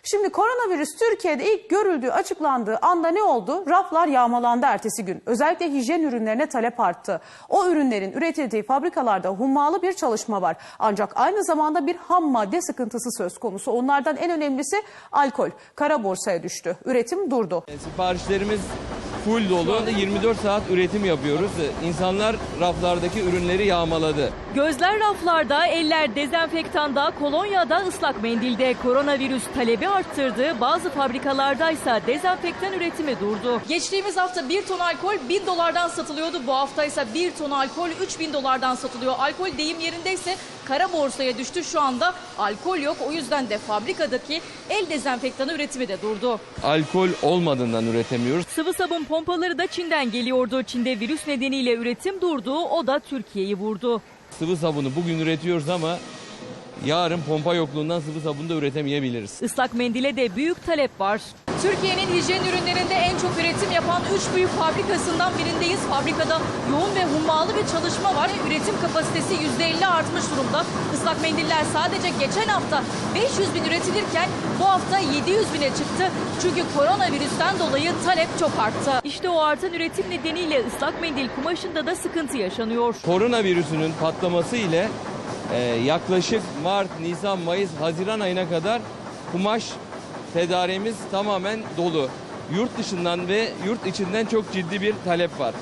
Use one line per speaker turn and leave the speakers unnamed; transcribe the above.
Şimdi koronavirüs Türkiye'de ilk görüldüğü açıklandığı anda ne oldu? Raflar yağmalandı ertesi gün. Özellikle hijyen ürünlerine talep arttı. O ürünlerin üretildiği fabrikalarda hummalı bir çalışma var. Ancak aynı zamanda bir ham madde sıkıntısı söz konusu. Onlardan en önemlisi alkol. Kara borsaya düştü. Üretim durdu.
Siparişlerimiz full dolu. 24 saat üretim yapıyoruz. İnsanlar raflardaki ürünleri yağmaladı.
Gözler raflarda, eller dezenfektanda, kolonyada, ıslak mendilde. Koronavirüs talebi arttırdı. Bazı fabrikalardaysa dezenfektan üretimi durdu.
Geçtiğimiz hafta 1 ton alkol $1000'dan satılıyordu. Bu hafta ise 1 ton alkol $3000'dan satılıyor. Alkol deyim yerindeyse kara borsaya düştü. Şu anda alkol yok. O yüzden de fabrikadaki el dezenfektanı üretimi de durdu.
Alkol olmadığından üretemiyoruz.
Sıvı sabun pompaları da Çin'den geliyordu. Çin'de virüs nedeniyle üretim durdu. O da Türkiye'yi vurdu.
Sıvı sabunu bugün üretiyoruz ama yarın pompa yokluğundan sıvı sabunu da üretemeyebiliriz.
Islak mendile de büyük talep var.
Türkiye'nin hijyen ürünlerinde en çok üretim yapan 3 büyük fabrikasından birindeyiz. Fabrikada yoğun ve hummalı bir çalışma var. Üretim kapasitesi %50 artmış durumda. Islak mendiller sadece geçen hafta 500 bin üretilirken bu hafta 700 bine çıktı. Çünkü koronavirüsten dolayı talep çok arttı.
İşte o artan üretim nedeniyle ıslak mendil kumaşında da sıkıntı yaşanıyor.
Koronavirüsünün patlaması ile yaklaşık Mart, Nisan, Mayıs, Haziran ayına kadar kumaş tedariğimiz tamamen dolu. Yurt dışından ve yurt içinden çok ciddi bir talep var.